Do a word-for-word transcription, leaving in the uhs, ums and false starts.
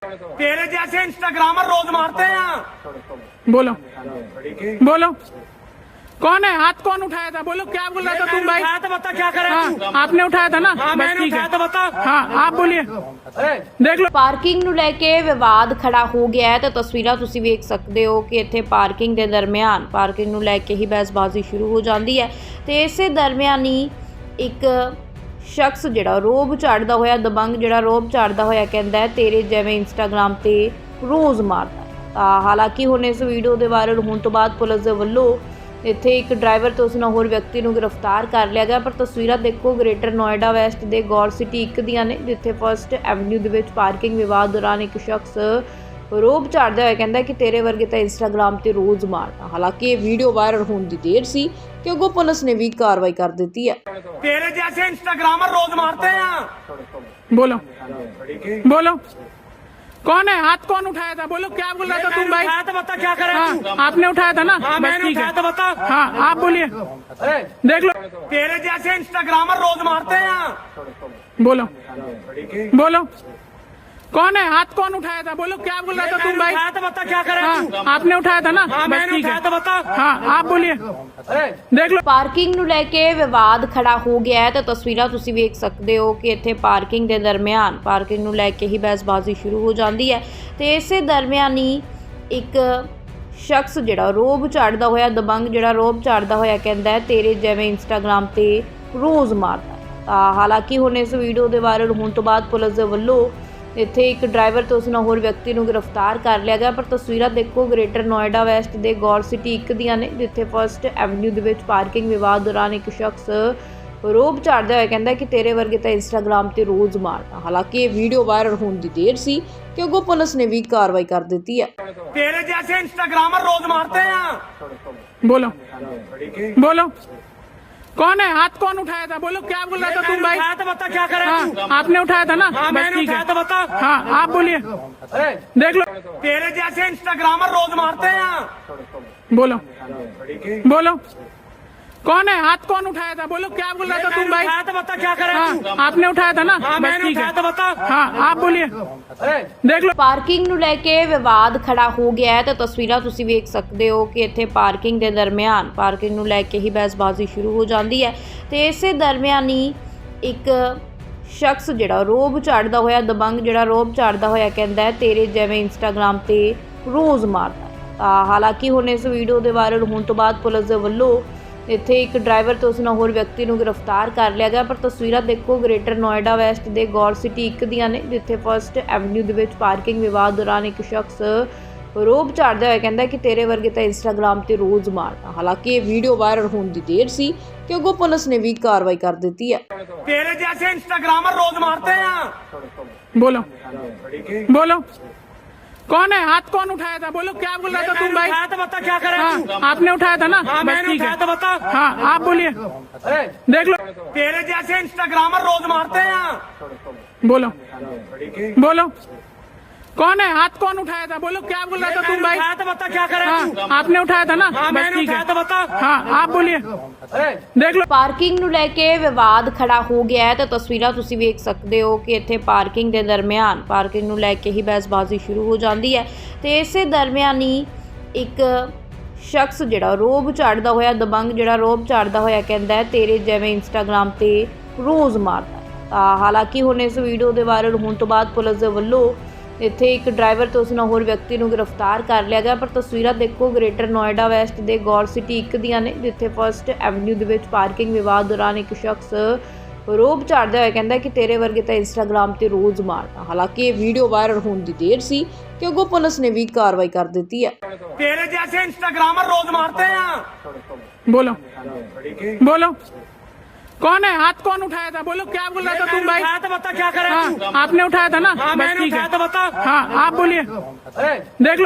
तेरे जैसे इंस्टाग्रामर रोज मारते हैं। बोलो बोलो कौन है? हाथ कौन उठाया था? बोलो क्या बोल रहा था तुम भाई? उठाया तो बता क्या करे हाँ, तू? आपने उठाया था ना? हाँ, बस मैंने ठीक उठाया है। तो बता। हाँ आप बोलिए, ਦੇਖ ਲਓ। ਪਾਰਕਿੰਗ ਨੂੰ ਲੈ ਕੇ ਵਿਵਾਦ ਖੜਾ ਹੋ ਗਿਆ ਹੈ ਤਾਂ ਤਸਵੀਰਾਂ ਤੁਸੀਂ ਵੇਖ ਸਕਦੇ ਹੋ ਕਿ ਇੱਥੇ ਪਾਰਕਿੰਗ ਦੇ ਦਰਮਿਆਨ ਪਾਰਕਿੰਗ ਨੂੰ ਲੈ ਕੇ ਹੀ ਬਹਿਸਬਾਜ਼ੀ ਸ਼ੁਰੂ ਹੋ ਜਾਂਦੀ ਹੈ ਤੇ ਇਸੇ ਦਰਮਿਆਨ ਹੀ ਇੱਕ ਸ਼ਖਸ ਜਿਹੜਾ ਰੋਬ ਝਾੜਦਾ ਹੋਇਆ ਦਬੰਗ ਜਿਹੜਾ ਰੋਬ ਝਾੜਦਾ ਹੋਇਆ ਕਹਿੰਦਾ ਹੈ ਤੇਰੇ ਜਿਵੇਂ ਇੰਸਟਾਗ੍ਰਾਮ ਤੇ ਰੋਜ਼ ਮਾਰਦਾ ਹੈ। ਤਾਂ ਹਾਲਾਂਕਿ ਹੁਣ ਇਸ ਵੀਡੀਓ ਦੇ ਵਾਇਰਲ ਹੋਣ ਤੋਂ ਬਾਅਦ ਪੁਲਿਸ ਦੇ ਵੱਲੋਂ ਇੱਥੇ ਇੱਕ ਡਰਾਈਵਰ ਤੇ ਉਸ ਨਾਲ ਹੋਰ ਵਿਅਕਤੀ ਨੂੰ ਗ੍ਰਿਫਤਾਰ ਕਰ ਲਿਆ ਗਿਆ। ਪਰ ਤਸਵੀਰਾਂ ਦੇਖੋ ਗ੍ਰੇਟਰ ਨੋਇਡਾ ਵੈਸਟ ਦੇ ਗੌਰ ਸਿਟੀ ਇੱਕ ਦੀਆਂ ਨੇ ਜਿੱਥੇ ਫਸਟ ਐਵਨਿਊ ਦੇ ਵਿੱਚ ਪਾਰਕਿੰਗ ਵਿਵਾਦ ਦੌਰਾਨ ਇੱਕ ਸ਼ਖਸ ਰੋਬ ਝਾੜਦਾ ਹੋਇਆ ਕਹਿੰਦਾ ਕਿ ਤੇਰੇ ਵਰਗੇ ਤਾਂ ਇੰਸਟਾਗ੍ਰਾਮ ਤੇ ਰੋਜ਼ ਮਾਰਦਾ। ਹਾਲਾਂਕਿ ਇਹ ਵੀਡੀਓ ਵਾਇਰਲ ਹੋਣ ਦੀ ਦੇਰ ਸੀ ਕਿ ਅੱਗੋਂ ਪੁਲਿਸ ਨੇ ਵੀ ਕਾਰਵਾਈ ਕਰ ਦਿੱਤੀ ਹੈ। तेरे जैसे इंस्टाग्रामर रोज मारते हैं। बोलो बोलो कौन है? हाथ कौन उठाया था? बोलो क्या बोल रहा था तुम भाई? उठाया तो बता क्या करे तू? हाँ, आपने उठाया था ना? हाँ, बस मैंने ठीक उठाया तो है। बता। हाँ आप बोलिए, देख लो। तेरे जैसे इंस्टाग्रामर रोज मारते हैं। बोलो बोलो कौन है? हाथ कौन उठाया था? बोलो क्या बोल रहा था तुम भाई? उठाया तो बता क्या करे तू? हाँ, आपने उठाया था ना? हाँ, बस मैंने ठीक उठाया तो है। बता। हाँ आप बोलिए, देख लो। ਪਾਰਕਿੰਗ ਨੂੰ ਲੈ ਕੇ ਵਿਵਾਦ ਖੜਾ ਹੋ ਗਿਆ ਹੈ ਤਾਂ ਤਸਵੀਰਾਂ ਤੁਸੀਂ ਵੇਖ ਸਕਦੇ ਹੋ ਕਿ ਇੱਥੇ ਪਾਰਕਿੰਗ ਦੇ ਦਰਮਿਆਨ ਪਾਰਕਿੰਗ ਨੂੰ ਲੈ ਕੇ ਹੀ ਬਹਿਸਬਾਜ਼ੀ ਸ਼ੁਰੂ ਹੋ ਜਾਂਦੀ ਹੈ ਤੇ ਇਸੇ ਦਰਮਿਆਨ ਹੀ ਇੱਕ ਸ਼ਖਸ ਜਿਹੜਾ ਰੋਬ ਝਾੜਦਾ ਹੋਇਆ ਦਬੰਗ ਜਿਹੜਾ ਰੋਬ ਝਾੜਦਾ ਹੋਇਆ ਕਹਿੰਦਾ ਹੈ ਤੇਰੇ ਜਿਵੇਂ ਇੰਸਟਾਗ੍ਰਾਮ ਤੇ ਰੋਜ਼ ਮਾਰਦਾ ਹੈ। ਤਾਂ ਹਾਲਾਂਕਿ ਹੁਣ ਇਸ ਵੀਡੀਓ ਦੇ ਵਾਇਰਲ ਹੋਣ ਤੋਂ ਬਾਅਦ ਪੁਲਿਸ ਦੇ ਵੱਲੋਂ ਇੱਥੇ ਇੱਕ ਡਰਾਈਵਰ ਤੇ ਉਸ ਨਾਲ ਹੋਰ ਵਿਅਕਤੀ ਨੂੰ ਗ੍ਰਿਫਤਾਰ ਕਰ ਲਿਆ ਗਿਆ। ਪਰ ਤਸਵੀਰਾਂ ਦੇਖੋ ਗ੍ਰੇਟਰ ਨੋਇਡਾ ਵੈਸਟ ਦੇ ਗੌਰ ਸਿਟੀ ਇੱਕ ਦੀਆਂ ਨੇ ਜਿੱਥੇ ਫਸਟ ਐਵਨਿਊ ਦੇ ਵਿੱਚ ਪਾਰਕਿੰਗ ਵਿਵਾਦ ਦੌਰਾਨ ਇੱਕ ਸ਼ਖਸ ਰੋਬ ਝਾੜਦਾ ਹੋਇਆ ਕਹਿੰਦਾ ਕਿ ਤੇਰੇ ਵਰਗੇ ਤਾਂ ਇੰਸਟਾਗ੍ਰਾਮ ਤੇ ਰੋਜ਼ ਮਾਰਦਾ। ਹਾਲਾਂਕਿ ਇਹ ਵੀਡੀਓ ਵਾਇਰਲ ਹੋਣ ਦੀ ਦੇਰ ਸੀ ਕਿ ਅੱਗੋਂ ਪੁਲਿਸ ਨੇ ਵੀ ਕਾਰਵਾਈ ਕਰ ਦਿੱਤੀ ਹੈ। तेरे जैसे इंस्टाग्रामर रोज मारते हैं। बोलो बोलो कौन है? हाथ कौन उठाया था? बोलो क्या बोल रहा था तुम भाई? उठाया तो बता क्या करे तू? हाँ, आपने उठाया था ना? हाँ, बस मैंने ठीक उठाया तो है। बता। हाँ आप बोलिए, देख लो। तेरे जैसे इंस्टाग्रामर रोज मारते हैं। बोलो बोलो कौन है? हाथ कौन उठाया था? बोलो क्या बोल रहा था तुम भाई? उठाया तो बता क्या करे तू? हाँ, आपने उठाया था ना? हाँ, बस मैंने ठीक उठाया तो है। बता। हाँ आप बोलिए, देख लो। ਪਾਰਕਿੰਗ ਨੂੰ ਲੈ ਕੇ ਵਿਵਾਦ ਖੜਾ ਹੋ ਗਿਆ ਹੈ ਤਾਂ ਤਸਵੀਰਾਂ ਤੁਸੀਂ ਵੇਖ ਸਕਦੇ ਹੋ ਕਿ ਇੱਥੇ ਪਾਰਕਿੰਗ ਦੇ ਦਰਮਿਆਨ ਪਾਰਕਿੰਗ ਨੂੰ ਲੈ ਕੇ ਹੀ ਬਹਿਸਬਾਜ਼ੀ ਸ਼ੁਰੂ ਹੋ ਜਾਂਦੀ ਹੈ ਤੇ ਇਸੇ ਦਰਮਿਆਨ ਹੀ ਇੱਕ ਸ਼ਖਸ ਜਿਹੜਾ ਰੋਬ ਝਾੜਦਾ ਹੋਇਆ ਦਬੰਗ ਜਿਹੜਾ ਰੋਬ ਝਾੜਦਾ ਹੋਇਆ ਕਹਿੰਦਾ ਹੈ ਤੇਰੇ ਜਿਵੇਂ ਇੰਸਟਾਗ੍ਰਾਮ ਤੇ ਰੋਜ਼ ਮਾਰਦਾ ਹੈ। ਤਾਂ ਹਾਲਾਂਕਿ ਹੁਣ ਇਸ ਵੀਡੀਓ ਦੇ ਵਾਇਰਲ ਹੋਣ ਤੋਂ ਬਾਅਦ ਪੁਲਿਸ ਦੇ ਵੱਲੋਂ ਇੱਥੇ ਇੱਕ ਡਰਾਈਵਰ ਤੇ ਉਸ ਨਾਲ ਹੋਰ ਵਿਅਕਤੀ ਨੂੰ ਗ੍ਰਿਫਤਾਰ ਕਰ ਲਿਆ ਗਿਆ। ਪਰ ਤਸਵੀਰਾਂ ਦੇਖੋ ਗ੍ਰੇਟਰ ਨੋਇਡਾ ਵੈਸਟ ਦੇ ਗੌਰ ਸਿਟੀ ਇੱਕ ਦੀਆਂ ਨੇ ਜਿੱਥੇ ਫਸਟ ਐਵਨਿਊ ਦੇ ਵਿੱਚ ਪਾਰਕਿੰਗ ਵਿਵਾਦ ਦੌਰਾਨ ਇੱਕ ਸ਼ਖਸ ਰੋਬ ਝਾੜਦਾ ਹੋਇਆ ਕਹਿੰਦਾ ਕਿ ਤੇਰੇ ਵਰਗੇ ਤਾਂ ਇੰਸਟਾਗ੍ਰਾਮ ਤੇ ਰੋਜ਼ ਮਾਰਦਾ। ਹਾਲਾਂਕਿ ਇਹ ਵੀਡੀਓ ਵਾਇਰਲ ਹੋਣ ਦੀ ਦੇਰ ਸੀ ਕਿ ਅੱਗੋਂ ਪੁਲਿਸ ਨੇ ਵੀ ਕਾਰਵਾਈ ਕਰ ਦਿੱਤੀ ਹੈ। तेरे जैसे इंस्टाग्रामर रोज मारते हैं। बोलो बोलो कौन है? हाथ कौन उठाया था? बोलो क्या बोल रहा था तुम भाई? उठाया तो बता क्या करे तू? हाँ, आपने उठाया था ना? हाँ, बस मैंने ठीक उठाया तो है। बता। हाँ आप बोलिए, देख लो। तेरे जैसे इंस्टाग्रामर रोज मारते हैं। बोलो बोलो कौन है? हाथ कौन उठाया था? बोलो क्या बोल रहा था तुम भाई? उठाया तो बता क्या करे तू? हाँ, आपने उठाया था ना? हाँ, बस मैंने ठीक उठाया तो है। बता। हाँ आप बोलिए, देख लो। ਪਾਰਕਿੰਗ ਨੂੰ ਲੈ ਕੇ ਵਿਵਾਦ ਖੜਾ ਹੋ ਗਿਆ ਹੈ ਤਾਂ ਤਸਵੀਰਾਂ ਤੁਸੀਂ ਵੇਖ ਸਕਦੇ ਹੋ ਕਿ ਇੱਥੇ ਪਾਰਕਿੰਗ ਦੇ ਦਰਮਿਆਨ ਪਾਰਕਿੰਗ ਨੂੰ ਲੈ ਕੇ ਹੀ ਬਹਿਸਬਾਜ਼ੀ ਸ਼ੁਰੂ ਹੋ ਜਾਂਦੀ ਹੈ ਤੇ ਇਸੇ ਦਰਮਿਆਨ ਹੀ ਇੱਕ ਸ਼ਖਸ ਜਿਹੜਾ ਰੋਬ ਝਾੜਦਾ ਹੋਇਆ ਦਬੰਗ ਜਿਹੜਾ ਰੋਬ ਝਾੜਦਾ ਹੋਇਆ ਕਹਿੰਦਾ ਹੈ ਤੇਰੇ ਜਿਵੇਂ ਇੰਸਟਾਗ੍ਰਾਮ ਤੇ ਰੋਜ਼ ਮਾਰਦਾ ਹੈ। ਤਾਂ ਹਾਲਾਂਕਿ ਹੁਣ ਇਸ ਵੀਡੀਓ ਦੇ ਵਾਇਰਲ ਹੋਣ ਤੋਂ ਬਾਅਦ ਪੁਲਿਸ ਦੇ ਵੱਲੋਂ ਇੱਥੇ ਇੱਕ ਡਰਾਈਵਰ ਤੇ ਉਸ ਨਾਲ ਹੋਰ ਵਿਅਕਤੀ ਨੂੰ ਗ੍ਰਿਫਤਾਰ ਕਰ ਲਿਆ ਗਿਆ। ਪਰ ਤਸਵੀਰਾਂ ਦੇਖੋ ਗ੍ਰੇਟਰ ਨੋਇਡਾ ਵੈਸਟ ਦੇ ਗੌਰ ਸਿਟੀ ਇੱਕ ਦੀਆਂ ਨੇ ਜਿੱਥੇ ਫਸਟ ਐਵਨਿਊ ਦੇ ਵਿੱਚ ਪਾਰਕਿੰਗ ਵਿਵਾਦ ਦੌਰਾਨ ਇੱਕ ਸ਼ਖਸ ਰੋਬ ਝਾੜਦਾ ਹੋਇਆ ਕਹਿੰਦਾ ਕਿ ਤੇਰੇ ਵਰਗੇ ਤਾਂ ਇੰਸਟਾਗ੍ਰਾਮ ਤੇ ਰੋਜ਼ ਮਾਰਦਾ। ਹਾਲਾਂਕਿ ਇਹ ਵੀਡੀਓ ਵਾਇਰਲ ਹੋਣ ਦੀ ਦੇਰ ਸੀ ਕਿ ਅੱਗੋਂ ਪੁਲਿਸ ਨੇ ਵੀ ਕਾਰਵਾਈ ਕਰ ਦਿੱਤੀ ਹੈ। तेरे जैसे इंस्टाग्रामर रोज मारते हैं। बोलो बोलो कौन है? हाथ कौन उठाया था? बोलो क्या बोल रहा था तुम भाई? उठाया तो बता क्या करे तू? हाँ, आपने उठाया था ना? हाँ, बस मैंने ठीक उठाया है। तो बता। हाँ आप बोलिए, देख लो।